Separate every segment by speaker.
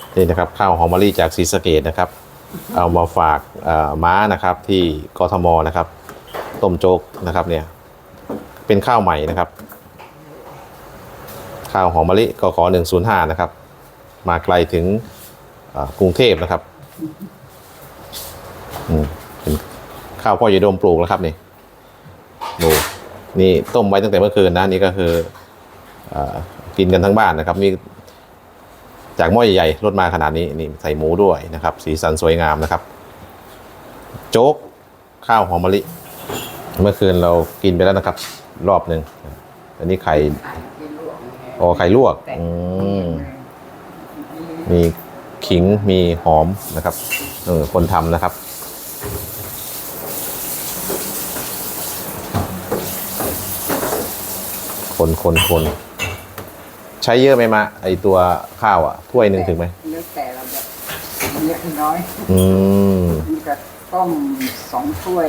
Speaker 1: นี่นะครับข้าวหอมมะลิจากศรีสะเกษนะครับเอามาฝากม้านะครับที่กทมนะครับต้มโจ๊กนะครับเนี่ยเป็นข้าวใหม่นะครับข้าวหอมมะลิกข105นะครับมาไกลถึงกรุงเทพนะครับเป็นข้าวพ่อใหญ่โดมปลูกแล้วครับนี่ต้มไว้ตั้งแต่เมื่อคืนนะนี่ก็คือกินกันทั้งบ้านนะครับนี่จากหม้อใหญ่ๆรถมาขนาดนี้นี่ใส่หมูด้วยนะครับสีสันสวยงามนะครับโจ๊กข้าวหอมมะลิเมื่อคืนเรากินไปแล้วนะครับรอบหนึ่งอันนี้ไข่ไข่ลวกมีขิงมีหอมนะครับคนทำนะครับคนใช้เยอะไหมมาไอตัวข้าวอ่ะถ้วยหนึ่งถึงไหม
Speaker 2: แล้วแต่เราแบบเยอะน้อยนี่ก็ต้ม2 ถ้วย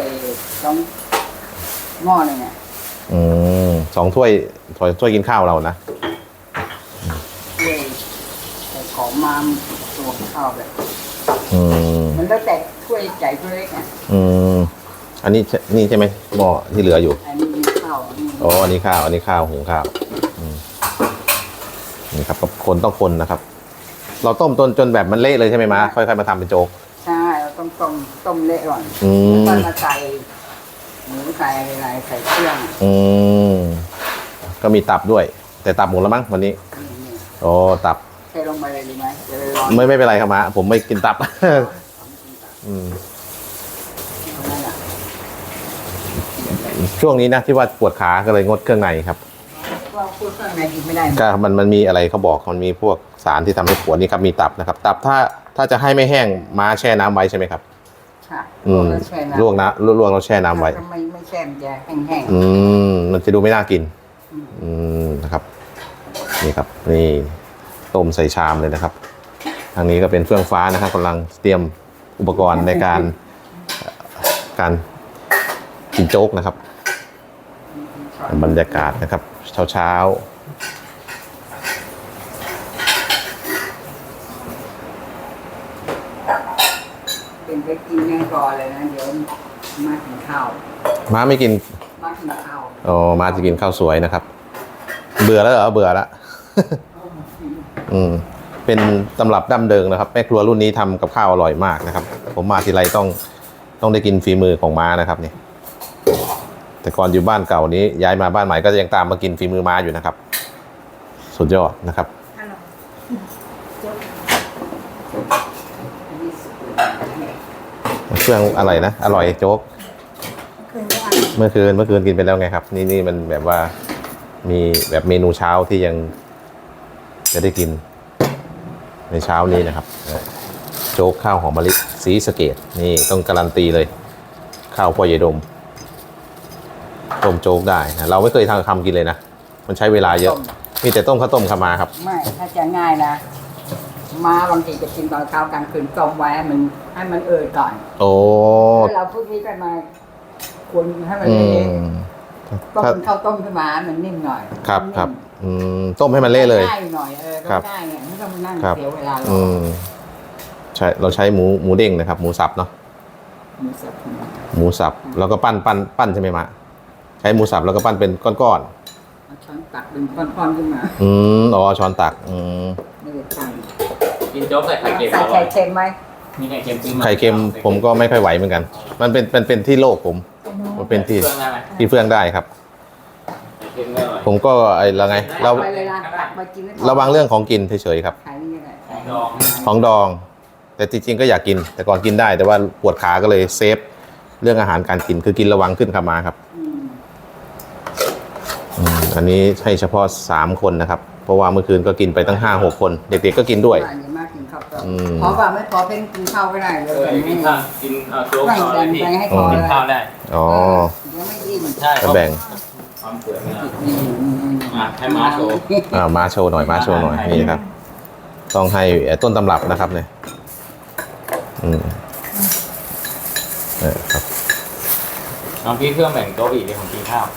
Speaker 2: 2 หม้อเลยเนี่ย
Speaker 1: 2 ถ้วยกินข้าวเรานะ
Speaker 2: ถ้วยใส่ของมาตัวข้าวแบบมันแล้วแต่ถ้วยใหญ่ถ้วยเล็กอ่ะ
Speaker 1: อันนี้นี่ใช่ไหมหม้อที่เหลืออยู่
Speaker 2: อันนี้ข้าว
Speaker 1: อันนี้ข้าวหุงข้าวนี่ครับคนต้องคนนะครับเราต้มจนแบบมันเละเลยใช่ไหมมาค่อยๆมาทำเป็นโจ๊ก
Speaker 2: ใช่เราต้องต้มเละก่อนแล้วก็มาใส่หมูใส่อะไรใส่เครื่อง
Speaker 1: ก็มีตับด้วยแต่ตับหมูแล้วมั้งวันนี้ตับ
Speaker 2: ใส่ลงไปเลยดีไหม
Speaker 1: ไม่เป็นไรครับมาผมไม่กินตับช่วงนี้นะที่ว่าปวดขาก็เลยงดเครื่องในครับ
Speaker 2: พวกเครื่องในกินไม่ได้
Speaker 1: ก็มันมีอะไรเขาบอกมันมีพวกสารที่ทำให้ปวดนี่ครับมีตับนะครับตับถ้าจะให้ไม่แห้งม้าแช่น้ำไว้ใช่ไหมครับ
Speaker 2: ค่ะ
Speaker 1: ลวกเราแช่น้ำไว้
Speaker 2: ไม่แช่มันจะแห้ง
Speaker 1: มันจะดูไม่น่ากินนะครับนี่ครับนี่ต้มใส่ชามเลยนะครับทางนี้ก็เป็นเฟื่องฟ้านะครับกำลังเตรียมอุปกรณ์ในการกินโจ๊กนะครับบรรยากาศนะครับเช้า
Speaker 2: เป็นไปกินยังก่อนเลยนะเดี๋ยวมากินข้าว
Speaker 1: ม้าไม่กิน
Speaker 2: มากินข้าว
Speaker 1: ม้าจะกินข้าวสวยนะครับเบื่อแล้วเหรอเบื่อละเป็นตำรับดั้งเดิมนะครับแม่ครัวรุ่นนี้ทำกับข้าวอร่อยมากนะครับผมมาทีไรต้องได้กินฝีมือของม้านะครับนี่แต่ก่อนอยู่บ้านเก่านี้ย้ายมาบ้านใหม่ก็ยังตามมากินฝีมือม้าอยู่นะครับสุดยอดนะครับเครื่องอะไรนะอร่อยโจ๊กเมื่อคืนกินไปแล้วไงครับนี่มันแบบว่ามีแบบเมนูเช้าที่ยังจะได้กินในเช้านี้นะครับโจ๊กข้าวหอมมะลิศรีสะเกษนี่ต้องการันตีเลยข้าวพ่อใหญ่ดมต้มโจ๊กได้นะเราไม่เคยทำกินเลยนะมันใช้เวลาเยอะมีแต่ต้มข้าวต้มขมาครับ
Speaker 2: ไม่ถ้าจะง่ายนะมาบางทีจะกินตอนเช้ากลางคืนต้มไว้ให้มันก่อนแล้วเราพวกนี้ก็มาคนให้มันเละต้มข้าวต้มขึ้นมามันนิ่มหน่อย
Speaker 1: ครับต้มให้มันเละเลย
Speaker 2: ง่ายหน่อยก็ได้ไงไม่ต้องมานั่งเสียเวลา
Speaker 1: ใช่เราใช้หมูเด้งนะครับหมูสับเนาะหมูสับแล้วก็ปั้นใช่ไหมมะใช้หมูสับแล้วก็ปั้นเป็นก้อน
Speaker 2: ช้อนตักเป็นก้อนๆขึ้นมา
Speaker 1: ช้อนตัก
Speaker 2: ไม่ได้ตั้ง
Speaker 3: กินโจ๊กใส่ไข่เค็ม
Speaker 2: ใส่ไข่เค็มไหม
Speaker 3: มีไข่เค็ม
Speaker 1: ไข่เค็มผมก็ไม่ค่อยไหวเหมือนกันมันเป็นที่โลกผมมันเป็นที่เฟื่องได้ครับผมก็อะไรไงระวังเรื่องของกินเฉยๆครับของดองแต่จริงๆก็อยากกินแต่ก่อนกินได้แต่ว่าปวดขาก็เลยเซฟเรื่องอาหารการกินคือกินระวังขึ้นขามาครับอันนี้ให้เฉพาะ3 คนนะครับเพราะว่าเมื่อคืนก็กินไปตั้ง5-6 คนเด็กๆก็กินด้วย
Speaker 2: พอป่ะไม่พอเป็นกินข้าวก็ได้เลย
Speaker 3: กินข้าวโจ๊กต่อเลยพี่กินข้าวได้
Speaker 2: เดี๋ยวไม่อิ่ม
Speaker 3: ใช่
Speaker 1: ก็แบ่ง
Speaker 3: ให้มาโชว์
Speaker 1: มาโชว์หน่อยนี่ครับต้องให้ต้นตำรับนะครับเนี่ยครับ
Speaker 3: น้องพี่เครื่องแบ่งโต๊ะอีกเลยของกินข้าว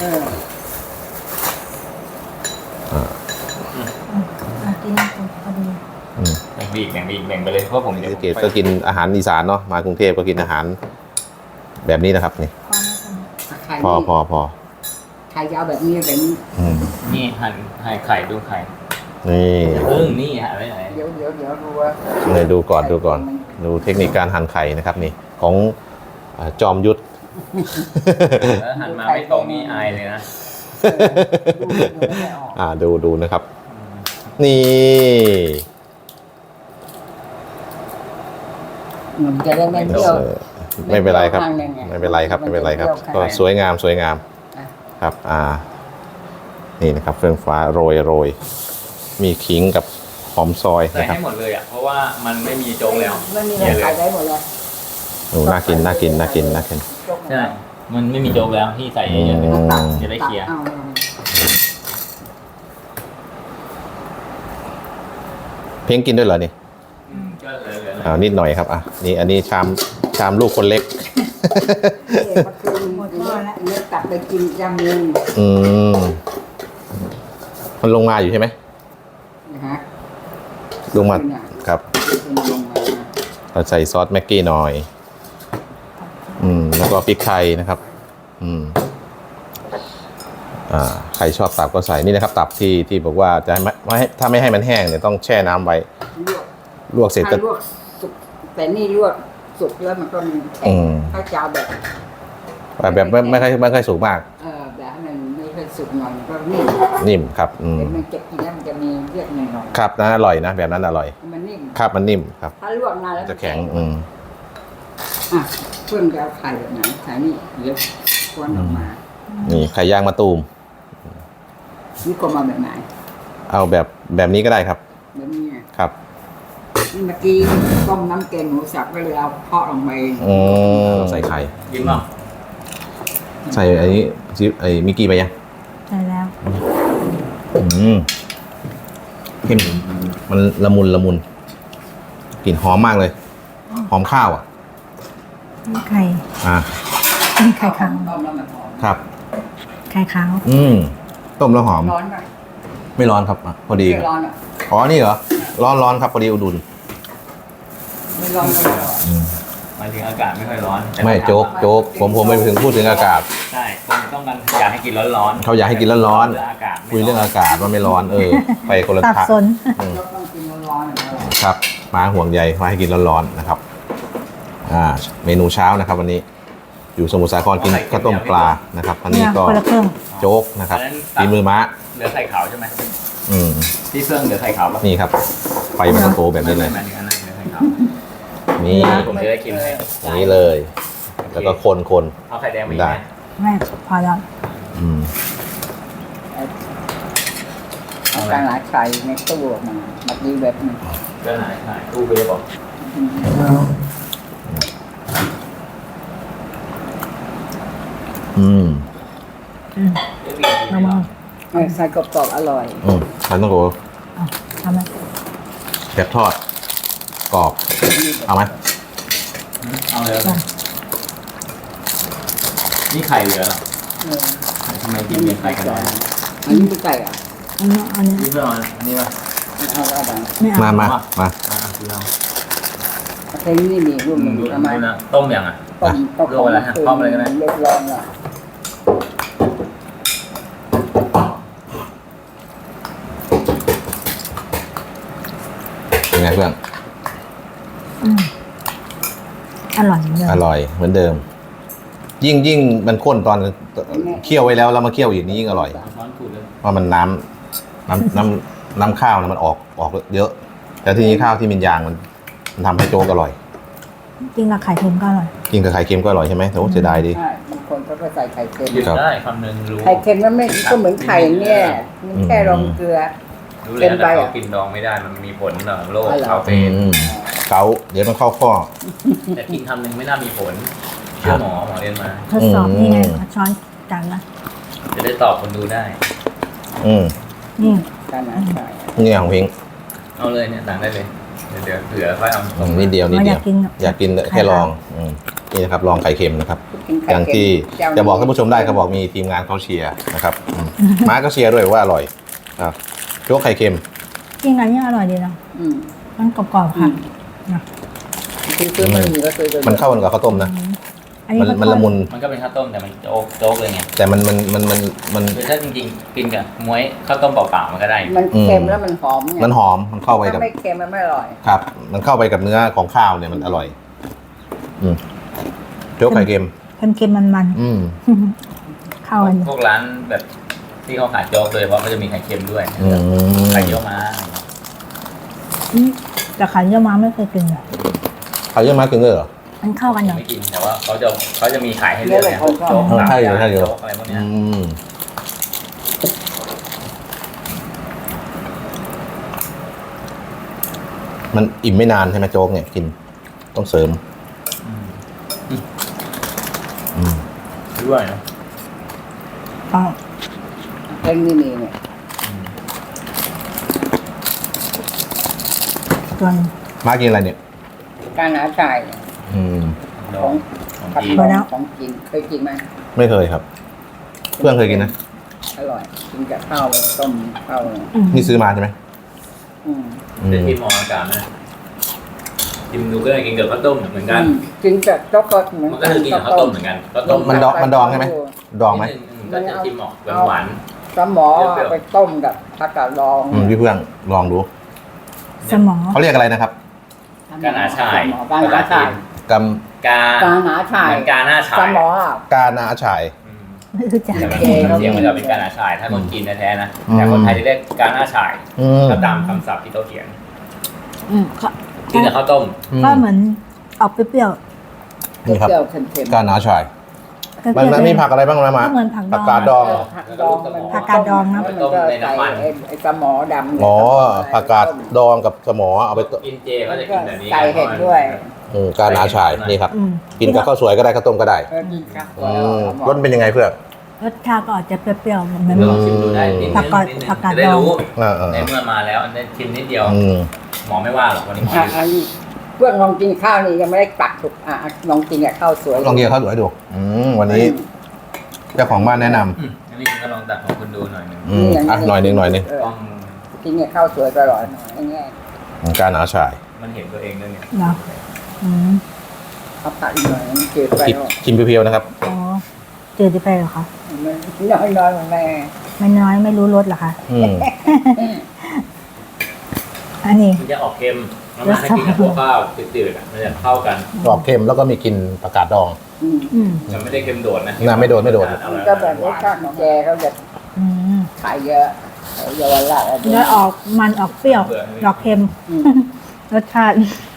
Speaker 2: กินพอดี
Speaker 3: แบ่งไปอีกแบ่งไปอีกแบ่งไปเลยเพราะผม
Speaker 1: ศรี
Speaker 3: เดี๋ยว
Speaker 1: สะเกษก็กินอาหารอีสานเนาะมากรุงเทพก็กินอาหารแบบนี้นะครับนี่
Speaker 2: ไข่
Speaker 1: พอ
Speaker 2: ไข่ยาวแบบนี้แบบนี้
Speaker 1: อืม
Speaker 3: นี่หั่นไข่ดูไข่
Speaker 1: นี่
Speaker 3: นี่หั่นไว้ไหน
Speaker 2: เดี๋ยวดูว่า
Speaker 1: เลยดูก่อนดูเทคนิคการหั่นไข่นะครับนี่ของจอมยุทธ
Speaker 3: แล้วหั่นมาไม่ตรงนี่อายเลยนะ
Speaker 2: ดูไม่ออก
Speaker 1: ดูนะครับ นี่
Speaker 2: มันจะได้ไม่เปรี้ยว
Speaker 1: ไม่เป็นไรครับ
Speaker 2: ข้างหนึ่งไง
Speaker 1: ไม่เป็นไรครับ
Speaker 2: มันจะ
Speaker 1: ไม่เป็นไรครับ
Speaker 2: เปรี้ยว
Speaker 1: ก็สวยงาม
Speaker 2: อ่ะ
Speaker 1: ครับ นี่นะครับเฟื่องฟ้าโรยมีขิงกับหอมซอย
Speaker 3: ใส่
Speaker 1: นะครับ
Speaker 3: ให้หมดเลยอ่ะเพราะว่ามันไม่มีโจ๊กแล้ว
Speaker 2: ไม่มีอะไรขายได้หมดเลย
Speaker 1: โอ้น่ากิน
Speaker 3: ใช่มันไม่มีโจ๊กแล้วที่ใส่เยอะๆเลย
Speaker 1: อืม
Speaker 3: จะได้เคลียร์
Speaker 2: เอา
Speaker 1: เพียงกินด้วยเหรอนี่
Speaker 3: ก็เหลือ
Speaker 1: นิดหน่อยครับนี่อันนี้ชามลูกคนเล็ก
Speaker 2: เมื่อคืนเนี่ยตักไปกินยำนึง
Speaker 1: อืมมันลงมาอยู่ใช่ไหม
Speaker 2: นะฮะ
Speaker 1: ลงมาครับ
Speaker 2: เป็นลงมา
Speaker 1: เราใส่ซอสแม็กกี้หน่อย แล้วก็พริกไทยนะครับ ใครชอบตับก็ใส่นี่นะครับ ตับที่บอกว่าจะไม่ให้ถ้าไม่ให้มันแห้งเนี่ยต้องแช่น้ำไว้ ลวกเสร็จก็
Speaker 2: ถ้าลวกสุกแต่นี่ลวกสุกแล้วมันก็มีแข็
Speaker 1: อื
Speaker 2: ง
Speaker 1: ม
Speaker 2: ถ้าจะเอาแบบ
Speaker 1: แบบไม่ค่อยสุกมาก
Speaker 2: แบบให้มันไม่ค่อยสุกหน่อยมันก็นิ่ม
Speaker 1: นิ่มครับ
Speaker 2: แต่มันจะกินแล้วมันจะมีเลือดหน่อย
Speaker 1: ครับนะอร่อยนะแบบนั้นอร่อย
Speaker 2: ๆมันนิ่ม
Speaker 1: ครับมันนิ่มครับ
Speaker 2: ถ้าลวกนานแล้ว
Speaker 1: จะแข็ง
Speaker 2: อ่ะเพิ่มจะเอาไข่แบบไหนไข่นี่เดี๋ยวควนออกมา
Speaker 1: นี่ไข่ย่างมะตูม
Speaker 2: นี่ก็มาแบบไหน
Speaker 1: เอาแบบนี้ก็ได้ครับ
Speaker 2: แบบนี้ไง
Speaker 1: ครับ
Speaker 2: นี่เมื่อกี้ต้มน้ำแกงหมูสับก็เลยเอาเพาะลงไป
Speaker 1: ใส่ไข่
Speaker 3: กินเปล่า
Speaker 1: ใส่ไอ้มิกกี้ไปยัง
Speaker 4: ใช่แล้ว
Speaker 1: เข้มมันละมุนกลิ่นหอมมากเลย หอมข้าวอ่ะ
Speaker 4: มีไข่
Speaker 1: อ่า
Speaker 4: มีไข่ขาว
Speaker 2: ต้มแล้วมันหอม
Speaker 1: ครับ
Speaker 4: ไข่ขาว
Speaker 1: ต้มแล้วหอม
Speaker 2: ร้อนไหม
Speaker 1: ไม่ร้อนครับพอดี
Speaker 2: ไม่ร้อนอ่ะ
Speaker 1: อ๋อนี่เหรอร้อนครับพอดีอุดุน
Speaker 2: ไม่ร้อนไม่ร้อน
Speaker 3: หมายถึงอากาศไม่ค่อยร้อนแต่
Speaker 1: ไม่โจ๊กผมไม่ถึงพูดถึงอากาศ
Speaker 3: ใช่คนต้องการอยากให้กินร้อนๆ
Speaker 1: เขาอยากให้กินร้อน
Speaker 3: อากาศ
Speaker 1: คุยเรื่องอากาศว่าไม่ร้อนไปคนละ
Speaker 4: สับ
Speaker 1: ทาง
Speaker 4: สน
Speaker 2: ก็ต้องกินร้อนๆอย่างนี้
Speaker 1: ครับมาห่วงใยมาให้กินร้อนๆนะครับเมนูเช้านะครับ วันนี้ อยู่สมุทรสาครกินข้าวต้มปลานะครับอันนี้
Speaker 4: เนี่ย
Speaker 1: ก็
Speaker 4: คนละเครื่อง
Speaker 1: โจ๊กนะครับฝีมือม้า
Speaker 3: เหลือไข่ขาวใช่ไหม
Speaker 1: อืม
Speaker 3: ที่เครื่องเหลือไข่ขาวป่ะ
Speaker 1: นี่ครับไฟมันก็โตแบบนี้เลย
Speaker 3: หมายถึงอันนั้นเหลือไข่ขาว
Speaker 1: นี่
Speaker 3: ผมจะได้กินให้
Speaker 1: อย่างนี้เลย แล้วก็คน
Speaker 3: เอาไข่แดงมาอีก
Speaker 1: ได้
Speaker 3: ไหม
Speaker 4: ไม่พอแล้ว
Speaker 1: อืม
Speaker 2: เอาการหลายไข่ในตู้ออกมาแบบนี้แบบนึง
Speaker 3: ก็ไหนตู้เบฟบอก
Speaker 1: อืม
Speaker 4: เอามา
Speaker 2: ใส่กรอบๆอร่อย
Speaker 1: มันต้องโก
Speaker 4: ทำไหม
Speaker 1: แบบทอดกรอบเอาไหม
Speaker 3: เอาเลยนี่ไข่เหลือเหรอทำไมกินมีไข่กันน้อย
Speaker 2: อันนี้ไม่ไก่อ่ะ
Speaker 4: อันนี้
Speaker 3: นี่เพื่อนอันนี้ป่ะ
Speaker 2: เอาแล้วกัน
Speaker 4: ไม่เอา
Speaker 1: มา
Speaker 3: คือเรา
Speaker 2: เพลงนี้มีรุ่นหนึ่ง
Speaker 3: ดู
Speaker 2: ทำไม
Speaker 3: นะต้มยังอ่ะ
Speaker 2: ต้มก็
Speaker 3: ลวกอะไรฮะต้มอะไรก็ได้
Speaker 2: เรียบร้อยแล้ว
Speaker 1: เป็นไงเพื่อน
Speaker 4: อร่อยเหมือนเดิม
Speaker 1: อร่อยเหมือนเดิม ยิ่งมันข้นตอนเคี่ยวไว้แล้วมาเคี่ยวอีกนี่ยิ่งอร่อย
Speaker 3: ช้อนขูดเลย
Speaker 1: เพราะมันน้ำข้าวมันออกเยอะ แต่ทีนี้ข้าวที่มินยางมันทำให้โจ๊กอร่อย
Speaker 4: จริงละไข่เค็มก็อร่อย
Speaker 1: กินกับไข่เค็มก็อร่อยใช่ไหมโอ้เสียดายดี
Speaker 2: ใช่บางคนเขาก็ใส่ไข่เค็ม
Speaker 3: หยุด
Speaker 1: ครับ
Speaker 3: ได้คำหนึ่งรู้
Speaker 2: ไข่เค็มมันไม่ก็เหมือนไข่เนี่ยมันแค่รองเกลือ
Speaker 3: รู้เลยแต่เขากินดองไม่ได้มันมีผลต่อโรคคาเฟอีน
Speaker 1: เกาเดี๋ยวมันเข้าข้อ
Speaker 3: แต่กินคำหนึ่งไม่น่ามีผลเชื่อหมอเรียนมา
Speaker 4: ทดสอบนี่ไงช้อนจานละ
Speaker 3: จะได้ตอบคนดูได้
Speaker 4: นี่
Speaker 2: การอาหาร
Speaker 1: นี่ของพิง
Speaker 3: เอาเลยเนี่ยต่างได้เลยเดี๋ยวเหลือค่อยเอา
Speaker 1: นิดเดียว
Speaker 4: ไม่อยากกิน
Speaker 1: อยากกินแค่ลองนี่นะครับลองไข่เค็มนะครับ
Speaker 2: กินไข่
Speaker 1: อย่าง
Speaker 2: เค็ม
Speaker 1: ที่
Speaker 2: เจ้า
Speaker 1: จะบอกท่านผู้ชมได้เขาบอกมีทีมงานเขาเชียร์นะครับม้าก็เชียร์ด้วยว่าอร่อยครับโจ๊กไข่เค็ม
Speaker 4: จริงอันนี้อร่อยดีนะ
Speaker 2: อืม
Speaker 4: มันกรอบๆค่ะนะ
Speaker 2: ที่ซื้อไม่มีก็ซื้อไป
Speaker 1: มันเข้ากันกับข้าวต้มนะ
Speaker 4: อันนี้
Speaker 1: มันละมุน
Speaker 3: มันก็เป็นข้าวต้มแต่มันโจ๊กเลยไง
Speaker 1: แต่มัน
Speaker 3: คือถ้าจริงๆกินกับม้วยข้าวต้มเปล่าๆมันก็ได้
Speaker 2: มันเค็มแล้วมันหอมไง
Speaker 1: มันหอมมันเข้าไปกับ
Speaker 2: ถ้าไม่เค็มมันไม่อร่อย
Speaker 1: ครับ มันเข้าไปกับเนื้อของข้าวเนี่ยมันอร่อย อืมโจ๊กไข่เค็ม
Speaker 4: เค็มๆมัน
Speaker 1: อืม
Speaker 4: ๆเข้ากัน
Speaker 3: พวกร้านแบบที่เขาขายโจ๊กเลยเพราะเขาจะมีไข่เค็มด้วย
Speaker 1: อืม
Speaker 3: ไข่เยี่ยวม้า
Speaker 4: อืมแต่ไข่เยี่ยวม้าไม่เคยกินเลย
Speaker 1: ไข่เยี่ยวม้ากินด้วยเหรอ
Speaker 4: มันเข้ากันเหรอ
Speaker 3: ไม่กินแต่ว่าเขาจะมีขายให้เลือกเนี่ยโจ๊ก
Speaker 1: ใช่อยู่ใช่อยู่
Speaker 3: โจ๊กอะไรพวกเนี้
Speaker 1: อื
Speaker 3: ย
Speaker 1: มมันอิ่มไม่นานใช่ไหมโจ๊กเนี่ยกิน ต้องเสริม อืม
Speaker 3: ด้วยนะ
Speaker 4: อ๋อ
Speaker 2: เพ่งนี่มีเนี่ย
Speaker 4: ส่วน
Speaker 1: มากินอะไรเนี่ย
Speaker 2: การหาจ่าย
Speaker 1: อืม
Speaker 3: ดองของ
Speaker 2: ผัด
Speaker 3: จีน
Speaker 2: ดองของกินเคยกินไหม
Speaker 1: ไม่เคยครับ เพื่อนเคยกินนะ
Speaker 2: อร่อยกินกับข้าวต้มข้าว
Speaker 4: อืม
Speaker 1: นี่ซื้อมาใช่ไหม
Speaker 2: อืม
Speaker 1: อื
Speaker 3: แต่
Speaker 1: ม
Speaker 3: ที่มองอากาศนะกินดูก็ได้กินกับข้าวต้มเหมือนกัน
Speaker 2: กินกับโจ๊กก็เหมือน
Speaker 3: มันก็คือกินกับข้าวต้มเหมือนกันข้าวต้ม
Speaker 1: มันดองใช่ไหมดองไหม
Speaker 3: ก็จะชิมออกหวาน
Speaker 2: สมอไปต้มกับผักกาดดอง
Speaker 1: พี่เพื่อนลองดู
Speaker 4: สมอง
Speaker 1: เขาเรียกอะไรนะครับ
Speaker 3: ๆกาหนาชาย
Speaker 2: กาหนาชาย
Speaker 1: ก
Speaker 3: กาก
Speaker 2: าหนาชาย
Speaker 3: เหมือนกาหน้าชา
Speaker 2: ส
Speaker 3: ย
Speaker 2: มอ
Speaker 1: ำกานาฉาย
Speaker 3: อืม
Speaker 4: ไม่รู้จัก
Speaker 3: แต่มัน
Speaker 2: โอเคครับ
Speaker 3: เสียงมันจะเป็นกาหนาชาย ถ้าคนจีนแท้ๆนะ
Speaker 1: อืม
Speaker 3: แต่คนไทยที่เรียกกาหน้าชาย
Speaker 1: อืม
Speaker 3: ก็ตามคำศัพท์ที่เขาเขียน
Speaker 4: อืมก็
Speaker 3: กินกับข้าวต้ม
Speaker 4: ก็เหมือนออกเปรี้ยว
Speaker 1: นี่ครับ
Speaker 2: เปรี้ยวๆเค็ม
Speaker 1: กานาฉาย
Speaker 4: ๆเปรี้ยวๆ
Speaker 1: มันมีผักอะไรบ้างนะมา
Speaker 4: ก็เหมือนผักดอง
Speaker 1: ผักกาดดอง
Speaker 2: ๆผักดองมัน
Speaker 4: ผักกาดดองนะ
Speaker 2: มันก็ใส่ไอ้สมอดำ
Speaker 1: อ๋อผักกาดดองกับสมอเอาไป
Speaker 3: กินเจก็จะกินแบบนี้
Speaker 2: ใส่เห็ดด้วย
Speaker 1: กานาฉายนี่ครับ
Speaker 4: อืม
Speaker 1: กินกับข้าวสวยก็ได้ข้าวต้มก็ได้
Speaker 2: เออกินครับ
Speaker 1: รสเป็นยังไงเพื่อน
Speaker 4: รสชาติก็อาจจะเปรี้ยวๆเหมือน
Speaker 3: ลองชิมดูได้นิดนึง
Speaker 4: ผักกาด
Speaker 3: นิดนึง
Speaker 4: ผักกาด
Speaker 3: จะได้
Speaker 4: ดอง
Speaker 3: รู้
Speaker 1: อ่า
Speaker 3: ในเมื่อมาแล้วอันนี้ชิมนิดเดียว
Speaker 1: อืม
Speaker 3: หมอไม่ว่าหรอกวันนี้หมอ
Speaker 2: อันนี้เพื่อนลองกินข้าวนี่ยังไม่ได้ตักถูกลองกินกับข้าวสวย
Speaker 1: ลองกินข้าวสวยดูวันนี้เจ้าของบ้านแนะน
Speaker 3: อันนี้คุณก็ลองตัดของคุณดูหน่อยหนึง
Speaker 1: ำหน่อยหนึง
Speaker 3: ต้อง
Speaker 2: กินกับข้าวสวยก็อร่อยหน่อยอย่างเงี้ย
Speaker 1: กานาฉาย
Speaker 3: มันเห็นตัวเองด้วยเนี่ย
Speaker 4: เหรออืม
Speaker 2: เอาผักอีกหน่อยมันจืดไปเนาะ
Speaker 1: ชิมเพียวๆนะครับ
Speaker 4: อ๋อจืดไปเหรอคะ
Speaker 2: มันน้อยๆเหมือนแม่
Speaker 4: ไม่น้อยไม่รู้รสเหรอคะ
Speaker 1: อืม
Speaker 4: อันนี้
Speaker 3: มันจะออกเค็มแล้วมันให้กินกับพวกข้าวจืดๆอ่ะมันจะเข้ากัน
Speaker 1: กรอบเค็มแล้วก็มีกลิ่นผักกาดดอง
Speaker 2: อืม
Speaker 4: อืม
Speaker 3: มันไม่ได้เค็มโดดนะ
Speaker 1: น่าไม่โดด
Speaker 2: มันก็แบบรสชาติของแกเขาจะ
Speaker 4: อืม
Speaker 2: ขายเยอะเยาวราชอะไร
Speaker 4: เนื้อออกมันออกเปรี้ยวออกเค็ม
Speaker 2: อืม
Speaker 4: รสชาติ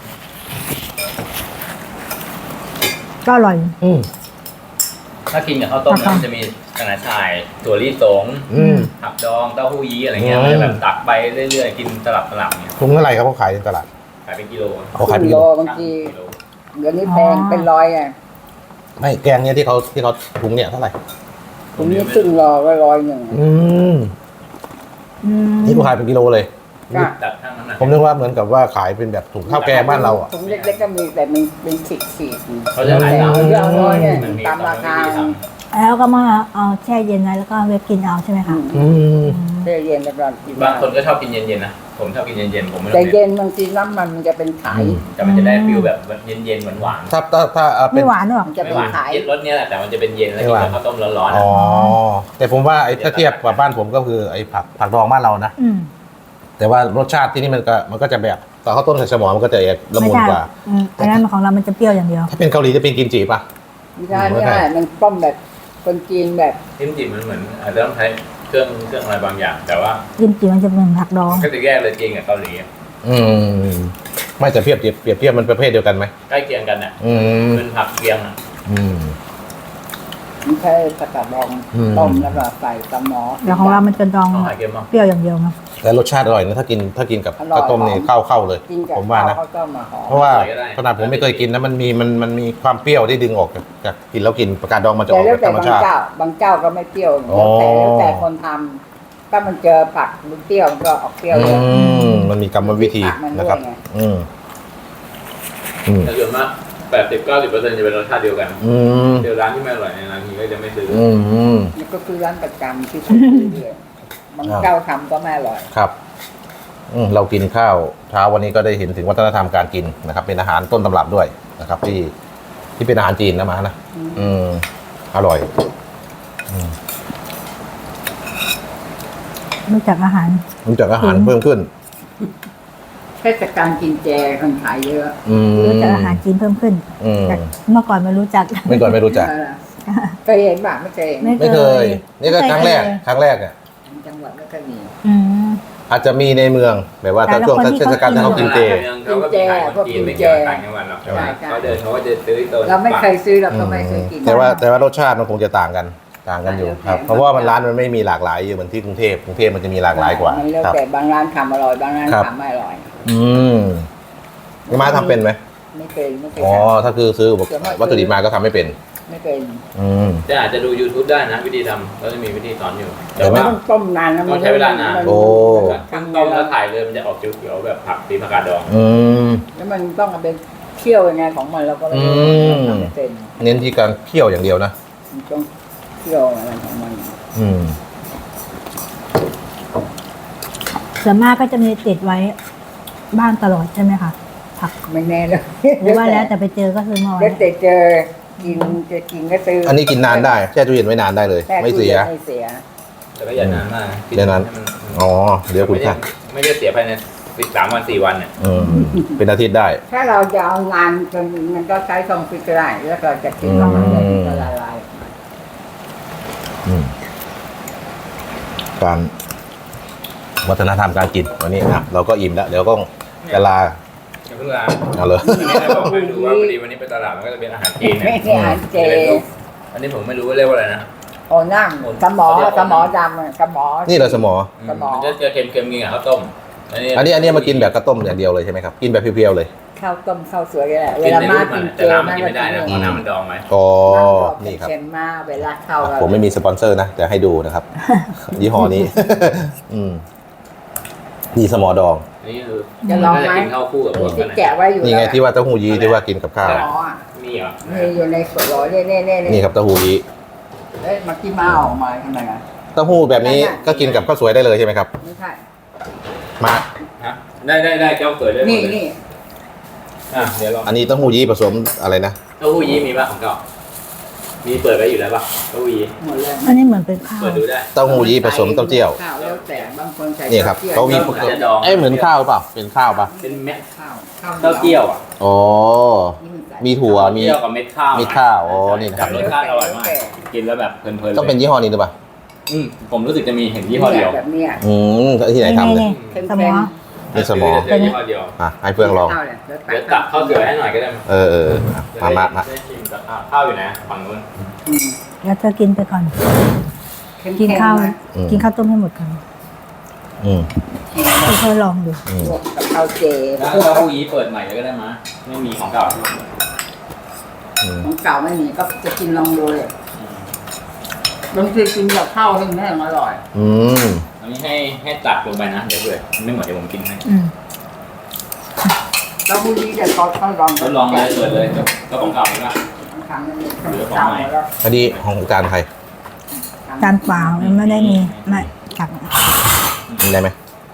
Speaker 4: ก็อร่อย
Speaker 1: อืม
Speaker 3: ถ้ากินกับข้าวต้มนะมันจะมีกระหน่ำชายถั่วลิสง
Speaker 1: อืม
Speaker 3: ผักดองเต้าหู้ยี้อะไรเงี้ย
Speaker 1: อืม
Speaker 3: มันจะแบบตักไปเรื่อยๆกินสลับเนี่ย
Speaker 1: ถุงเท่าไหร่ครับเขาขายในตลาด
Speaker 3: ขายเป็นกิโล
Speaker 1: เขาขายเป็น
Speaker 2: กิ
Speaker 1: กิ
Speaker 2: โล
Speaker 1: โล
Speaker 2: บางทีเดี๋ยวนี้แพงเป็นร้อยไง
Speaker 1: ไม่แกงเนี้ยที่เขาถุงเนี่ยเท่าไหร่
Speaker 2: ตรงนี้ซึ่งรอก็ร้อยหนึ่ง
Speaker 1: อืม
Speaker 4: อืม
Speaker 1: นี่เขาขายเป็นกิโลเลย
Speaker 2: ก็
Speaker 3: ตักทั้งน้ำหนัก
Speaker 1: ผมนึกว่าเหมือนกับว่าขายเป็นแบบถุงข้าวแกงบ้านเราอ่ะ
Speaker 2: ถุงเล็กๆก็มีแต่มันเป็นขีด
Speaker 3: เขาจะขายตาม
Speaker 2: เยอะน้อยเนี่ย
Speaker 3: มันมี
Speaker 2: ตามราคา
Speaker 3: วิธีท
Speaker 4: แล้วก็มาเอาแช่เย็นไว้แล้วก็เวฟกินเอาใช่ไหมคะ
Speaker 1: อืม
Speaker 2: เย็นเย็นแบบกิน
Speaker 3: ำบางคนก็ชอบกินเย็นๆนะผมชอบกินเย็นๆผมไม่ต้
Speaker 2: แต่
Speaker 3: อง
Speaker 2: เย็นบางทีน้ำมันจะเป็นไข
Speaker 3: แต่มันจะได้ฟิลแบบเย็นๆหวาน
Speaker 1: ถ้าเป็
Speaker 4: ไม่
Speaker 1: น
Speaker 4: หวานหรอก
Speaker 2: มัน
Speaker 3: ๆ
Speaker 2: จะ
Speaker 3: ไม่
Speaker 2: เป็น
Speaker 3: หวาน
Speaker 2: ไข
Speaker 3: เย็นรสเนี้ยแหละแต่มันจะเป็นเย็นแล้วกินกับข้าวต้มร้อนๆ
Speaker 1: อ๋
Speaker 3: อะ
Speaker 1: อแต่ผมว่าไอ้ถ้าเทียบกับบ้านผมก็คือไอ้ผักดองบ้านเรานะ
Speaker 4: อืม
Speaker 1: แต่ว่ารสชาติที่นี่มันก็จะแบบแต่ข้าวต้มใส่สมอมันก็จะละมุนกว่า
Speaker 4: อืมอันนั้นของเรามันจะเปรี้ยวอย่างเดียว
Speaker 1: ถ้าเป็นเกาหลีจะเป็นกิมจิป่ะ
Speaker 2: ไม่ได้มันต้มแบบคนจีนแบบ
Speaker 3: จิ้มจิมันเหมือนอาจจะต้องใช้เครื่องอะไรบางอย่าง แต่ว่า
Speaker 4: กิมจิมันจะเป็นผักดอง
Speaker 3: ก็จะแยกเลยจริงกับเกาหลี
Speaker 1: อืมไม่แต่เปรียบเทียบมันประเภทเดียวกันไหม
Speaker 3: ใกล้เคียงกันอ่ะ
Speaker 1: อืม
Speaker 3: เป็นผักเคียงอ่ะ
Speaker 1: อืม
Speaker 2: มันแค่สกัดดองต้มแล้วก็ใส่สมอ
Speaker 4: แล้วของเรามันจะดอง
Speaker 3: ต้องหายเค็มมั้ง
Speaker 4: เปรี้ยวอย่างเดียวนะ
Speaker 1: แต่รสชาติอร่อยนะถ้ากินกับข้าวต้มนี่เข้าเลย
Speaker 2: กินกับ
Speaker 1: ผมว่านะ
Speaker 2: ข้าวต้มมาหอม
Speaker 1: เพราะว่าขนาดผมไม่เคยกินนะมันมีความเปรี้ยวที่ดึงออกจากกินแล้วกินประกาศดองมันจะอ
Speaker 2: แต่
Speaker 1: อก
Speaker 2: แล้ว
Speaker 1: จากธ
Speaker 2: แต่
Speaker 1: รรม
Speaker 2: บาง
Speaker 1: ชาติ
Speaker 2: เจ้าบางเจ้าก็ไม่เปรี้ยว
Speaker 1: อ๋อ
Speaker 2: แล้วแต่คนทำถ้ามันเจอผักมันเปรี้ยวมันก็ออกเปรี้ยวเยอะ
Speaker 1: มันมีกรรมวิธี
Speaker 2: มันด้วย
Speaker 1: นะครับ
Speaker 2: ไง
Speaker 1: อืมอืม
Speaker 3: แต่ส่วนมาก80-90%จะเป็นรสชาติเดียวกัน
Speaker 1: อืม
Speaker 3: เจอร้านที่ไม่อร่อยในร้านนี้ก็จะไม่ซื้อ
Speaker 1: อืม
Speaker 2: มันก็คือร้านประจำที่ผมซื้อเรื่อยบางเจ้าทำก็ไม่อร่อย
Speaker 1: ครับเรากินข้าวเช้าวันนี้ก็ได้เห็นถึงวัฒนธรรมการกินนะครับ เป็นอาหารต้นตำรับด้วยนะครับ ที่เป็นอาหารจีนนะมานะอร่อย
Speaker 4: รู้จักอาหาร
Speaker 1: รู้จักอาหารเพิ่มขึ้น
Speaker 2: เทศกาลกินแจคนขายเยอะ
Speaker 4: รู้จักอาหารจีนเพิ่มขึ้นจากเมื่อก่อนไม่รู้จัก
Speaker 1: ไม่ก่อนไม่รู้จัก
Speaker 2: เคยเห็นบ้างไม่เคยเห็น
Speaker 1: ไม่เคย นี่ก็ครั้งแรกอ่ะ
Speaker 2: จังหวัดไม่เคยมี
Speaker 1: อาจจะมีในเมืองแบบว่าถ้าช่วงเทศกาลที่เขากินเจ
Speaker 3: เขาก็มีขายคนจีนไม่เกี่ยวกับต่างจังหวัดหรอกใช่ไหมเขาเดินเขาก็จะซื้อตัว
Speaker 2: เราไม่เคยซื้อเราก็ไม่เคยกิน
Speaker 1: แต่ว่ารสชาติมันคงจะต่างกันอยู่ครับ เพราะว่ามันร้านมันไม่มีหลากหลายอยู่เหมือนที่กรุงเทพมันจะมีหลากหลายกว่า
Speaker 2: มันแล้ว
Speaker 1: ครับ
Speaker 2: แต่บางร้านทำอร่อยบางร้าน
Speaker 1: ครับ
Speaker 2: ทำไม่อร่อย
Speaker 1: นี่มาทำเป็นไหม
Speaker 2: ไม่เคย
Speaker 1: อ๋อถ้าคือซื้อวัตถุดิบมาก็ทำไม่เป็น
Speaker 2: ไม่เป็น
Speaker 3: แต่อาจจะดู YouTube ได้นะวิธีทำก็จะมีวิธีสอนอยู่
Speaker 1: เดี๋ยว
Speaker 2: มัน
Speaker 1: นะ
Speaker 2: ต้องต้มนานนะ
Speaker 3: ต้องใช้เวลานาน
Speaker 1: โอ้
Speaker 3: ต้มแล้วถ่ายเลยมันจะออกเขียวๆแบบผักตีผักกาดดอง
Speaker 2: แล้วมันต้องเอาไปเคี่ยวยังไงของมันเราก็ไม่รู้ทำไม่เป็น
Speaker 1: เน้นที่การเคี่ยวอย่างเดียวนะ
Speaker 2: มันต้องเคี่ยวอะไรของมัน
Speaker 4: ส่วนมากก็จะมีติดไว้บ้านตลอดใช่ไหมคะผัก
Speaker 2: ไม่แน่เลย
Speaker 4: หรือว่าแล้วแต่ไปเจอก็ซื้อมาไว้
Speaker 2: แล้วแต่เจอกินจะกินก็ซื้อ
Speaker 1: อันนี้กินนานได้แช่ตู้เย็นไว้นานได้เลย
Speaker 2: แช่
Speaker 1: ไม่เสีย
Speaker 2: ไม่เสีย
Speaker 3: แต่ก็อย่านานมาก
Speaker 1: เดี๋ยวนั้น อ๋อเดี๋ยวคุณค่ะ
Speaker 3: ไม่ได้เสียภายใน3 วัน 4 วันเนี่ย
Speaker 1: เป็นอาทิตย์ได้
Speaker 2: ถ้าเราจะเอางานจนมันก็ใช้ทรงฟิกก็ได้แล้วก็จะกินแล้วมันจะละลาย
Speaker 1: การวัฒนธรรมการกินวันนี้นะเราก็อิ่มแล้วเดี๋ยวก็จะลา
Speaker 3: อย่าเพิ่งลา
Speaker 1: เอาเลย
Speaker 3: ไม่ได้บอกให้ดูว่าพอดีวันนี้ไปตลาดมันก็จะเป็นอาหารจีน
Speaker 2: ไม่
Speaker 3: เนี่ย
Speaker 2: ใช่อาหารเจ
Speaker 3: อันนี้ผมไม่รู้ว่าเรียกว่าอะไรนะ
Speaker 2: โอ้นั่งสมอดำสมอ
Speaker 1: นี่เราสมอ
Speaker 3: มันจะเค็มๆกินกับข้าวต้ม
Speaker 1: อันนี้มากินแบบกระต้มอย่างเดียวเลยใช่ไหมครับกินแบบเพียวๆเลย
Speaker 2: ข้าวต้มข้าวสวยก็ได้เว
Speaker 3: กิน
Speaker 2: ลา
Speaker 3: ใน
Speaker 2: มา
Speaker 3: รูปมั
Speaker 2: กิ
Speaker 3: น
Speaker 2: นเจ
Speaker 3: แต่น้ำมันกิน
Speaker 2: ก็
Speaker 3: ไม่ได้นะเพราะน้ำมันดองไหม
Speaker 1: อ๋อ
Speaker 2: นี่
Speaker 1: นี่ครับ
Speaker 2: เค็มมากเวลาเข้า
Speaker 1: ผมไม่มีสปอนเซอร์นะแต่ให้ดูนะครับ ยี่ห้อนี้ นี่สมอดอง
Speaker 3: นี่คือ
Speaker 2: จะลองไหม
Speaker 3: กินข้าวคู่กับพวก
Speaker 2: ที่
Speaker 3: กัน
Speaker 2: แกะไว้อยู่
Speaker 1: นี่ไงที่ว่าเต้าหู้ยี้ที่ว่ากินกับข้าว
Speaker 2: สมอ
Speaker 3: มีเหรอ
Speaker 2: มีอยู่ในสวนร้อยเน่
Speaker 1: นี่ครับเต้าหู้ยี้
Speaker 2: เอ้ยมากี้มาออกมาทำไมอ่ะ
Speaker 1: เต้าหู้แบบนี้ก็กินกับข้าวสวยได้เลยใช่ไหมครับ
Speaker 2: ไม่ใช่
Speaker 1: มา
Speaker 3: ฮะได้เจ้าเกิดเลย
Speaker 2: นี่
Speaker 3: เดี๋ยวลอง
Speaker 1: อันนี้เต้าหู้ยี้ผสมอะไรนะ
Speaker 3: เต้าหู้ยี้มีป่ะของเก่ามีเปิดไว้อยู่แล้วป่ะเต้าหู้ยี้
Speaker 2: หมดเลย
Speaker 4: อันนี้เหมือนเป็นข้าว
Speaker 3: เปิดดูได้
Speaker 1: เต้าหู้ยี้ผสมเต้าเจี้ยว
Speaker 2: ข้าวแล้วแต่บางคนใส่
Speaker 1: นี่ครับเขามี
Speaker 3: อาจจะดอง
Speaker 1: เหมือนข้าวเปล่าเป็นข้าวปะ
Speaker 3: เป็นเม็ด
Speaker 2: ข้าว
Speaker 3: เต้าเจี้ยวอ่ะ
Speaker 1: อ๋อมีถั่วมี
Speaker 3: เจี้ยวกับเม็ดข้าว
Speaker 1: มีข้าวอ๋อนี่นะครับ
Speaker 3: รสชาติอร่อยมากกินแล้วแบบเพลินๆเลย
Speaker 1: ต้องเป็นยี่ห้อนี้หรือเปล่า
Speaker 3: ผมรู้สึกจะมีเห็นยี่ห้อเดียว
Speaker 2: แบบเนี้ย
Speaker 1: ที่ไหนทำเนี่ย
Speaker 2: เค็ม
Speaker 4: สมอ
Speaker 1: นี่สมอ
Speaker 3: เจอยี่ห้อเดียว
Speaker 1: ให้เพื่อนลอง
Speaker 3: เดี๋ยวตักข้าวเสือให้หน่อยก็ได้มั้ย
Speaker 1: มา
Speaker 3: ได้ชิมกับข้าวอยู่นะฝั่งนู้น
Speaker 4: แล้วเธอกินไปก่อน กินข้าว กินข้าวต้มให้หมดก่อนเธอลองดู
Speaker 2: กับข้าวเจ
Speaker 3: แล้วเต้าหู้ยี้เปิดใหม่เลยก็ได้มั้ยไม่มีของเก่า
Speaker 2: ของเก่าไม่มีก็จะกินลองดูเลยบางทีกินกับข้าวให้แม่อร่อย
Speaker 3: อันนี้ให้ตักลงไปนะเดี๋ยวเผื่อไม่เหมือนเดี๋ยวผมกินให้
Speaker 2: แล้วพรุ่งนี้จะเขาลอง
Speaker 3: ทดลองเลยเปิดเลยก็ของเก่าเลยนะ
Speaker 2: ครั้งนึงเก่าแล้ว
Speaker 1: อันนี้ของจานใคร
Speaker 4: จานเปล่ามันไม่ได้มีไม่ตัก
Speaker 1: กินได้ไหม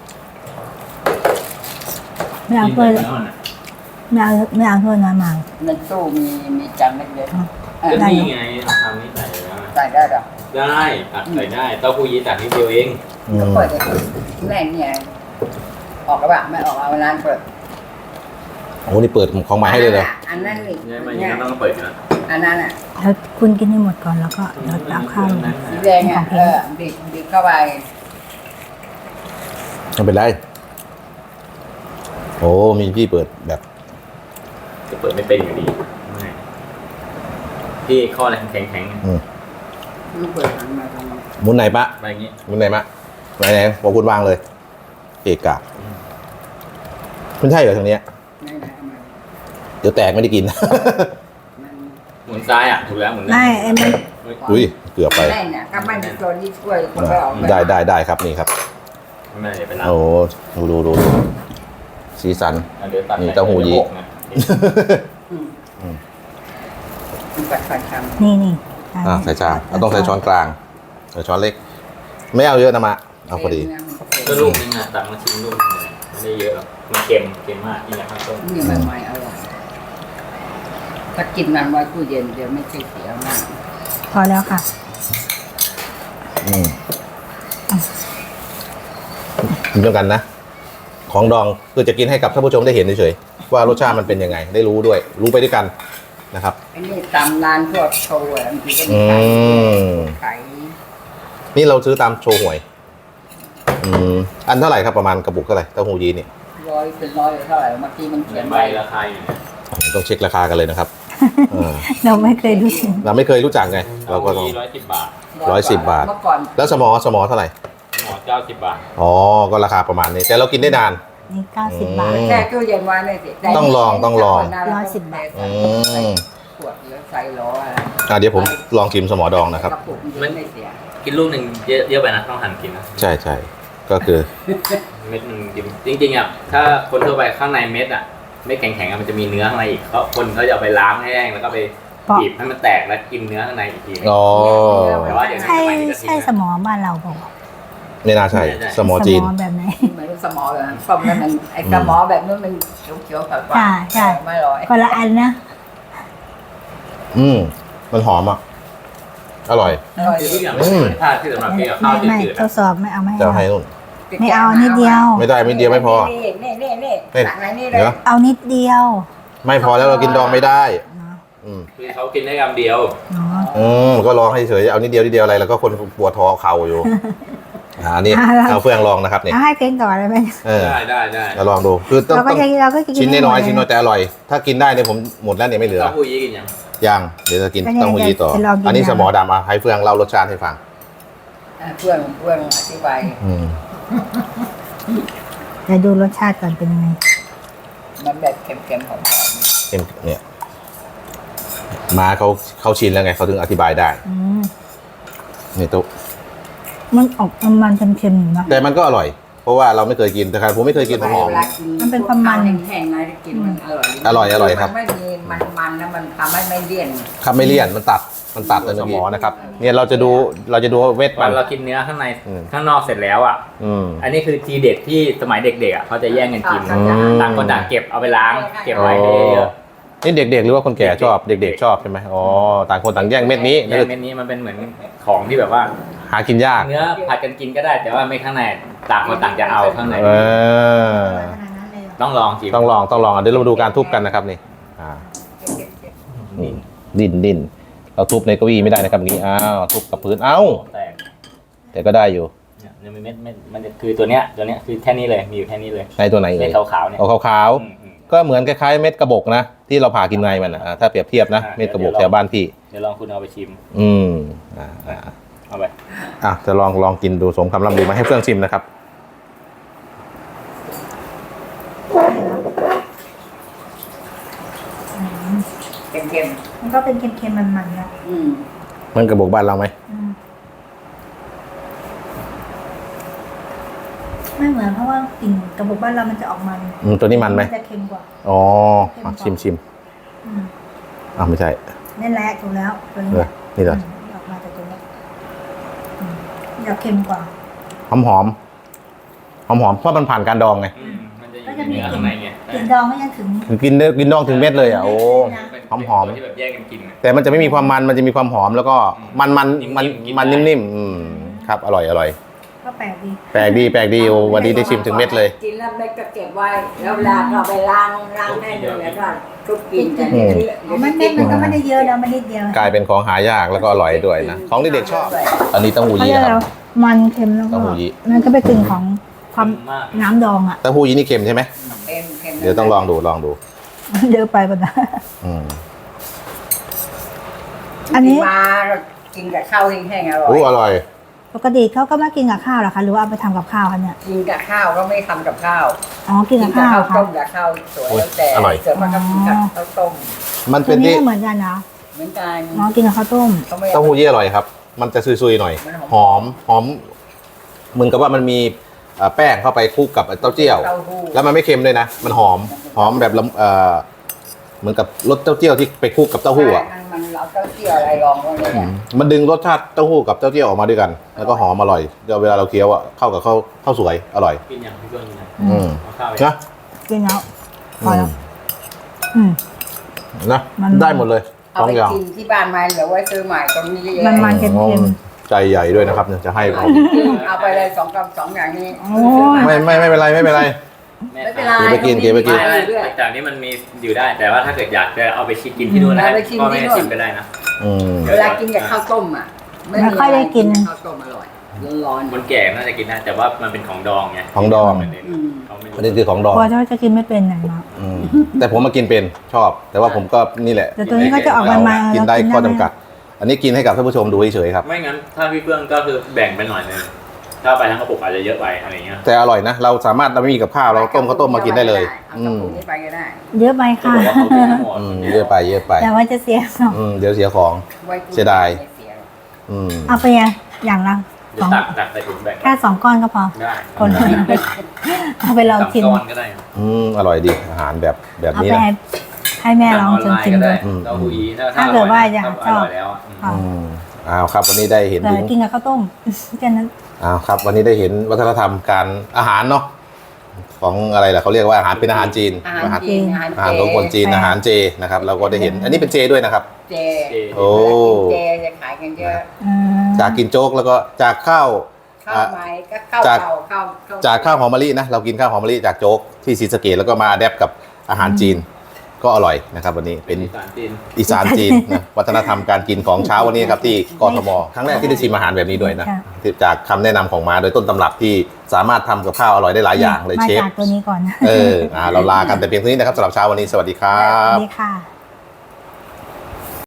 Speaker 4: ไม่เอาถ้วยไม่เอาถ้วยน้อยมา
Speaker 2: ในตู้มีจานเล็ก
Speaker 3: ก็นี่ไงทำนี่ใส่แล้ว
Speaker 2: ๆใส่ได้หรอ
Speaker 3: ได้ตักใส่ได้เต้าหู้ยี้ตักนิดเดียวเอง
Speaker 2: ก็เปิดแม่เนี่ยออกกระบะไม่ออกเอาร้านเปิด
Speaker 1: โอ้นี่เปิดของใหม่ให้เลยเหรอ
Speaker 2: อันนั้นนี่
Speaker 3: เนี่ยมันยังต้องเปิดอยู่นะ
Speaker 2: อันนั้นอ่ะ
Speaker 4: แล้วคุณกินให้หมดก่อนแล้วก็เดี๋ยวตักข้าวลง
Speaker 2: สีแดงอ่ะดิบเข้าไป
Speaker 1: ไม่เป็นไรโอ้มีพี่เปิดแบบ
Speaker 3: จะเปิดไม่เป็นอยู่ดีไม่พี่ข้ออะไรแข็ง
Speaker 2: ลูกเปิดหันมาทำไม
Speaker 1: หมุนไหนปะ
Speaker 3: ๆอะไรอย่างงี้
Speaker 1: หมุนไหนมะไหนบอกคุณวางเลย เอกะไม่ใช่เหรอทางเนี้ย
Speaker 2: ไม่ได้มา
Speaker 1: เดี๋ยวแตกไม่ได้กิน
Speaker 2: มัน
Speaker 3: หมุนซ้ายอ่ะถูกแล้วหมุน
Speaker 4: ไม่ไอ้มัน
Speaker 1: อุ้ยเกือบไป
Speaker 2: แม่เนี่ยก็ไม่มีตัวนี้ช่วยคนไปออก
Speaker 1: ได้ครับนี่ครับ
Speaker 3: ไม่ได้เป็นไร
Speaker 1: โอ้ดูสีสัน
Speaker 3: เดี๋ยวตัด
Speaker 1: นี่เต้าหู้ยี้
Speaker 2: ปัดฟันค
Speaker 4: นี่
Speaker 1: ใส่จานเราต้องใส่ช้อนกลางใส่ช้อนเล็ก ไม่เอาเยอะนะมะ
Speaker 2: ำ
Speaker 1: เอาพอดี
Speaker 3: ก็ลูกนึงอ่ะตักมาชิมลูกนึงเลยได้เยอะหรอกมันเค็มมากกินกับข้าวต้ม
Speaker 2: นี่ใหม่ๆอร่อยถ้ากินมันไว้ตู้เย็นเดี๋ยวไม่ใช่เสียมาก
Speaker 4: พอแล้วค่ะ
Speaker 1: กินด้วยกันนะ ของดองคือจะกินให้กับท่านผู้ชมได้เห็นเฉยๆว่ารสชาติมันเป็นยังไง ได้รู้ด้วย รู้ไปด้วยกันนะครับ
Speaker 2: อันนี้ตามร้านพวกโชว์บางทีก็มี
Speaker 1: อืม
Speaker 2: ขาย
Speaker 1: นี่เราซื้อตามโชว์หวย อันเท่าไหร่ครับประมาณกระปุกเท่าไหร่เต้าหู้ยี้เนี่ย
Speaker 2: ร้อยเป็นร้อยเท่าไหร่บางทีมันเขียน
Speaker 3: ใบ
Speaker 2: ไว้
Speaker 3: ราคาอยู่เนี่ย
Speaker 1: ต้องเช็คราคากันเลยนะครับ
Speaker 4: เราไม่เคยรู้สึก
Speaker 1: เราไม่เคยรู้จักไง เราก็ต้อง
Speaker 3: 110 บาท
Speaker 1: 110 บาท
Speaker 2: เมื่อก่อน
Speaker 1: แล้วสมอเท่าไหร่
Speaker 3: หมอ90 บาท
Speaker 1: อ๋อ ก็ราคาประมาณนี้ แต่เรากินได้นาน
Speaker 4: นี่90 บาท
Speaker 2: แช่ตู้เย็นไว้ไม่สิได้
Speaker 1: ต้องลอง
Speaker 4: 110 บาท
Speaker 1: อืม
Speaker 2: ขวดหรือใส่ล้ออะไร
Speaker 1: เดี๋ยวผมลองชิมสมอดองนะครับ
Speaker 2: กระปุกมันไม่เสีย
Speaker 3: กินลูกหนึ่งเยอะไปนะต้องหั่นกินนะ
Speaker 1: ใช่ใช่ก็คือ
Speaker 3: เม็ดหนึงจริงๆอ่ะถ้าคนทั่วไปข้างในเม็ดอ่ะเม็ดแข็งๆอะมันจะมีเนื้อข้างในอีกคนเขาจะเอาไปล้างให้แห้งแล้วก็ไป
Speaker 4: เพราะ
Speaker 3: บีบให้มันแตกแล้วกินเนื้อข้างในอีกทีนึง
Speaker 1: อ๋อ
Speaker 3: แต่ว่าเดี๋ยวนี้
Speaker 4: ใช่
Speaker 3: สมัยนี้ก็ทิ้ง
Speaker 4: ใช่ส
Speaker 3: นะ
Speaker 4: มอบ้านเราบอกว่า
Speaker 1: ไม่น่าใช่ สมอจีน
Speaker 4: สมอแบบไหน
Speaker 2: เหมือนสมอแบบนั้นส้มแล้วมันไอ้สมอแบบนู้นมันเขียวๆฝาด
Speaker 4: ใช่
Speaker 2: ไม่ร้อย
Speaker 4: คนละอันนะ
Speaker 1: มันหอมอ่ะ อร่อย
Speaker 2: อร่อย
Speaker 3: คือ
Speaker 2: ดี
Speaker 3: ทุกอย่างมันเป็นธาตุที่สำหรับกินกับข้าว
Speaker 4: ไม่
Speaker 3: จืดๆ
Speaker 4: ท
Speaker 3: อะ
Speaker 4: ดสอบไม่เอาไม่
Speaker 1: จะ
Speaker 4: เอา
Speaker 1: ให้นู่น
Speaker 4: ไม่เอานิดเดียว
Speaker 1: ไม่ได้ไม่เดียวไม่พอ
Speaker 2: นี่ตักไหนนี่เลย
Speaker 1: เดี๋ยว
Speaker 4: เอานิดเดียว
Speaker 1: ไม่พอแล้วเรากินดองไม่ได้
Speaker 4: เนาะ
Speaker 1: อืม
Speaker 3: คือเขากินได้คำเดียว
Speaker 4: เนาะ
Speaker 1: ก็ลองให้เฉยเอานิดเดียวอะไรแล้วก็คนปวดท้อเข่าอยู่ อันนี้เอาเฟืองลองนะครับเนี่ย
Speaker 4: เอาให้เพลงก่อนเลยไหม
Speaker 3: ได้
Speaker 1: เราลองดูคือต้อง
Speaker 4: เราก็กิน
Speaker 1: ชิ้นน้อยๆ
Speaker 4: ให้หมด
Speaker 1: ชิ้นน้อยแต่อร่อย ถ้ากินได้เนี่ยผมหมดแล้วเนี่ยไม่เหลือ
Speaker 3: เต้าหู้ยี้กินยัง
Speaker 1: ยังเดี๋ยวจะกิน
Speaker 4: ก็เนี่ย
Speaker 1: เต้าหู้ยี้ต่อ
Speaker 4: จะลองกิน
Speaker 1: อันนี้
Speaker 4: นะ
Speaker 1: สมอดำให้เฟืองเล่ารสชาติให้ฟัง
Speaker 2: เพื่อนอธิบาย
Speaker 4: เดี๋ยวดูรสชาติก่อนเป็นยังไง
Speaker 2: มันแบบเค็มๆหอม
Speaker 1: เอ็มเนี่ยมาเขาชินแล้วไงเขาถึงอธิบายได้
Speaker 4: อืม
Speaker 1: นี่ตุ๊
Speaker 4: มันออกมันเค็มๆอยู่เนอะ
Speaker 1: แต่มันก็อร่อย เพราะว่าเราไม่เคยกินแต่ครับผมไม่เคยกินหอม
Speaker 2: เวลากิน
Speaker 4: มันเป็นความมัน
Speaker 2: แห้งๆนะกินมันอร่อย
Speaker 1: อร่อยครับ
Speaker 2: มันไม่มีมันนะมันทำให้ไม่เลี่ยน
Speaker 1: ครับไม่เลี่ยนมันตัดเลยสมอนะครับเนี่ยเราจะดูเวท
Speaker 3: ต
Speaker 1: มั
Speaker 3: อน
Speaker 1: น
Speaker 3: เรากินเนื้อข้างใน
Speaker 1: อืม
Speaker 3: ข้างนอกเสร็จแล้วอ่ะ อันนี้คือทีเด็ดที่สมัยเด็กๆอ่ะเขาจะแย่งกันกิน
Speaker 2: อืม
Speaker 3: ต่างคนต่างเก็บเอาไปล้าง เก็บไว้ให้เยอะ
Speaker 1: นี่เด็กๆหรือว่าคนแก่ชอบเด็กๆชอบใช่ไหมอ๋อต่างคนต่างแย่งเม็ดนี้
Speaker 3: แย่งเม็ดนี้มันเป็นเหมือนของที่แบบว่า
Speaker 1: หากินยาก
Speaker 3: เนื้อผัดกันกินก็ได้ แต่ว่าไม่ข้างในต่างคนต่างจะเอาข้างใน ต้องลองชิม
Speaker 1: ต้องลองเดี๋ยวเรามาดูการทุบกันนะครับนี่ดิ้นเราทุบในเก้าอี้ไม่ได้นะครับอย่างนี้อ้าวทุบกับพื้นเอ้า
Speaker 3: แตก
Speaker 1: แต่ก็ได้อยู่
Speaker 3: เนี่ยมันเม็ดมันจะคือตัวเนี้ยคือแค่นี้เลยมีอยู่แค่นี้เลย
Speaker 1: ในตัวไหน
Speaker 3: เม็
Speaker 1: เอ่
Speaker 3: ด
Speaker 1: ย
Speaker 3: ขาวๆเนี่ย
Speaker 1: เอาขาว
Speaker 3: อืม
Speaker 1: ๆก็เหมือนคล้ายๆเม็ดกระบอกนะที่เราผ่ากินในมันนะถ้าเปรียบเทียบนะเม็ดกระบอกแถวบ้านพี่
Speaker 3: เดี๋ยวลองคุณเอาไปชิม
Speaker 1: เอา
Speaker 3: ไป
Speaker 1: จะลองกินดูสมคำล่ำลือมาให้เพื่อนชิมนะครับ
Speaker 2: เค็ม
Speaker 4: มันก็เป็นเค็มๆมันๆนะ
Speaker 2: ๆอืม
Speaker 1: มันกระบอกบ้านเราไหม
Speaker 4: ไม่เหมือนเพราะว่ากลิ่นกระบอกบ้านเรามันจะออกมัน
Speaker 1: ตัวนี้มันไหม
Speaker 4: จะเค็มกว่า
Speaker 1: อ๋อชิม
Speaker 4: อืม
Speaker 1: ไม่ใช่
Speaker 4: นั่นแหละถูกแล้วตัวนี้
Speaker 1: นี่เหรอ
Speaker 4: ออกมาจากตัวนี้จะเค็มกว่า
Speaker 1: หอมเพราะมันผ่านการดองไง
Speaker 3: มันจะอยู่ในเนื้อข้างในไง
Speaker 4: กลิ่นดองไม่ยังถึง
Speaker 1: คือกินดองถึงเม็ดเลยอ่ะโอ้หอม
Speaker 3: ที่แบบแย่งกันกิน
Speaker 1: แต่มันจะไม่มีความมันจะมีความหอมแล้วก็มันนิ่มครับอร่อย
Speaker 4: ก็แปลกดี
Speaker 1: แปลกดีโอ้วันนี้ได้ชิมถึงเม็ดเลย
Speaker 2: กินแล้วเม็ดก็เก็บไว้แล้วเวลาก็เอาไปล้างได้เลยแล้วก็ทุบกินกัน
Speaker 1: อืม
Speaker 4: มันเม็ดมันก็ไม่ได้เยอะแล้วมันนิดเดียว
Speaker 1: กลายเป็นของหายากแล้วก็อร่อยด้วยนะของที่เด็กชอบ อันนี้เต้าหู้
Speaker 4: เขา
Speaker 1: ยี้
Speaker 4: เรียก
Speaker 1: นะค
Speaker 4: แล้
Speaker 1: รั
Speaker 4: ว
Speaker 1: บ
Speaker 4: มันเค็มแล้วก็
Speaker 1: เต้าหู้ยี้
Speaker 4: นั่นก็เป็นกลิ่นของความน้ำดองอ่ะ
Speaker 1: เต้าหู้ยี้นี่เค็มใช่ไหม
Speaker 2: เค็มๆ
Speaker 1: เดี๋ยวต้องลองดู
Speaker 4: เยอะไปป่ะนะ
Speaker 1: อืม
Speaker 4: อันนี้
Speaker 2: มากินกับข้าวแห้งๆอร่อ
Speaker 1: โอ้
Speaker 2: ย
Speaker 1: อร่อย
Speaker 4: ปกติเขาก็ไม่กินกับข้าวหรอคะหรือว่าเอาไปทำกับข้าวคะเนี่ย
Speaker 2: กินกับข้าวก็ไม่ทำกับข้าว
Speaker 4: อ๋อกินกับข้าว
Speaker 2: ต้
Speaker 4: ค่ะ
Speaker 2: มกับข้าวสวยแล้วแต่
Speaker 1: อร่อย
Speaker 2: เสือมันก็กินกับข้าวต้ม
Speaker 1: มัน
Speaker 4: ตั
Speaker 1: เป็
Speaker 4: วน นี้
Speaker 1: ที่
Speaker 4: ก็เหมือนกันนะ
Speaker 2: เหมือนกัน
Speaker 4: อ๋อกินกับข้าวต้ม
Speaker 2: เขาไม่
Speaker 1: เต้าหู้ยี้อร่อยครับ มันจะซุยๆหน่อย
Speaker 2: มัน
Speaker 1: ห
Speaker 2: ห
Speaker 1: อ
Speaker 2: อ
Speaker 1: ม
Speaker 2: ม
Speaker 1: เหมือนกับว่ามันมีแป้งเข้าไปคลุกกับเต้าเจี้ยว
Speaker 2: เต้าหู้
Speaker 1: แล้วมันไม่เค็มเลยนะ มันหอมแบบเหมือนกับรสเต้าเจี้ยวที่ไปคลุกกับเต้าหู้อ่ะ
Speaker 2: มันมันเอาเต้าเจี้ยวอะไรรองไว้เนี่ย
Speaker 1: มันดึงรสชาติเต้าหู้กับเต้าเจี้ยวออกมาด้วยกัน แล้วก็หอมอร่อยเดี๋ยวเวลาเราเคี้ยวอ่ะเข้ากับข้าวสวยอร่อย
Speaker 3: กินอย่างพี่เพื่อนกินอย่าง
Speaker 1: อืม
Speaker 3: เอาข้าวไป
Speaker 1: นะ
Speaker 4: กินแล้วพอแล้ว
Speaker 1: นะ
Speaker 4: มัน
Speaker 1: ได้หมดเลย
Speaker 2: เอา
Speaker 1: สอง
Speaker 2: ไป
Speaker 1: อย่าง
Speaker 2: กินที่บ้านมาหรือว่าซื้อใหม่ตรงนี้เยอะ
Speaker 4: มันเค็ม
Speaker 1: ใจใหญ่ด้วยนะครับเนี่ยจะให้ผม
Speaker 2: เอาไปเลยสองอย่างนี้
Speaker 4: โอ้ย
Speaker 1: ไม่เป็นไรไม่เป็นไร
Speaker 2: ไม่เป็นไร
Speaker 1: เก็บไปกินเก็บไปกิน
Speaker 3: ไม่แต่อันนี้มันมีอยู่ได้ แต่ว่าถ้าเกิดอยากจะเอาไปชิมกินที่นู่นได้ก็ไม่ได้ชิมก็ได้นะ
Speaker 1: อืม
Speaker 2: เวลากินกับข้าวต้มอ่ะข้าวต้มอร่อยร้อน
Speaker 3: คนแก่น่าจะกินได้แต่ว่ามันเป็นของดองไง
Speaker 1: ของดอง
Speaker 3: เขาไม่
Speaker 1: อันนี้คือของดอง
Speaker 4: กลัวจะกินไม่เป็นไหนมา
Speaker 1: อืมแต่ผมมากินเป็นชอบ แต่ว่าผมก็นี่แหละ
Speaker 4: แต่ตัวนี้ก็จะออกมา
Speaker 1: กินได้ข้อจำกัด อันนี้กินให้กับท่านผู้ชมดูเฉยๆครับ
Speaker 3: ไม่งั้นถ้าพี่เพื่อนก็คือแบ่งไปหน่อยนึงถ้าไปทั้งกระปุกอาจจะเยอะไปอะไรเงี้ย
Speaker 1: แต่อร่อยนะ เราสามารถเราไม่มีกับข้าวเราต้มข้าวต้มมากินได้เลย
Speaker 2: เอากระปุกนี้ไปก็ได้
Speaker 4: เยอะไป
Speaker 3: เขา
Speaker 4: ค่ะ
Speaker 3: บอกว่าเขากินทั้งหมด
Speaker 1: เยอะไปเยอะไป
Speaker 4: แต่ว่าจะเสียสอง
Speaker 1: เดี๋ยวเสียของ เสียดาย อืม
Speaker 4: เอาไปอย่างละสอง
Speaker 3: ตักใส่ถุงแบ่ง
Speaker 4: แค่2 ก้อนก็พอ
Speaker 3: ได้
Speaker 4: คนเอาไปลอง
Speaker 3: สาม
Speaker 4: ชิม
Speaker 3: ก้อนก็ได้
Speaker 1: อร่อยดีอาหารแบบ
Speaker 4: เอา
Speaker 1: นี้
Speaker 4: ไป
Speaker 1: นะ
Speaker 4: ให้แม่ลองชิม
Speaker 3: ก็
Speaker 4: ดู
Speaker 3: ได้เต้าหู้ยี้
Speaker 4: ถ้าเกิดว่าอยากชอบ
Speaker 3: ร่อยแล้วอะ
Speaker 1: อ้าวครับวันนี้ได้เห็น
Speaker 4: แต่
Speaker 1: ถึง
Speaker 4: กินกับข้าวต้มแค่นั้น
Speaker 1: อ้าวครับ วันนี้ได้เห็นวัฒนธรรมการอาหารเนาะของอะไรล่ะเขาเรียกว่าอาหารเป็นอาหารจีน
Speaker 2: อาหารจีน
Speaker 1: อาหารของคนจีนอาหารเจนะครับ เราก็ได้เห็น อันนี้เป็นเจด้วยนะครับ
Speaker 2: เจ
Speaker 1: โอ้
Speaker 2: เจจะขายกันเยอะ
Speaker 1: จากกินโจ๊กแล้วก็จากข้าว
Speaker 2: ข้าวไม้ก็ข้าว
Speaker 1: จาก
Speaker 2: เก่าข้าว
Speaker 1: จากข้าวหอมมะลินะเรากินข้าวหอมมะลิจากโจ๊กที่ศรีสะเกษแล้วก็มาแดปกับอาหารจีนก็อร่อยนะครับวันนี้เป็น
Speaker 3: สารจีน
Speaker 1: อีสานจีนนะวัฒนธรรมการกินของเช้าวันนี้ครับที่กทมครั้งแรกที่ได้ชิมอาหารแบบนี้ด้วยนะที่จากคำแนะนำของมาโดยต้นตำรับที่สามารถทำกับข้าวอร่อยได้หลายอย่างเลย
Speaker 4: มา
Speaker 1: เชฟ
Speaker 4: จากตัวนี้ก่อนนะ
Speaker 1: เราลากันแต่เพียงเท่านี้นะครับสำหรับเช้าวันนี้สวัสดีครั
Speaker 4: สวั
Speaker 1: บ
Speaker 4: สดีค่ะ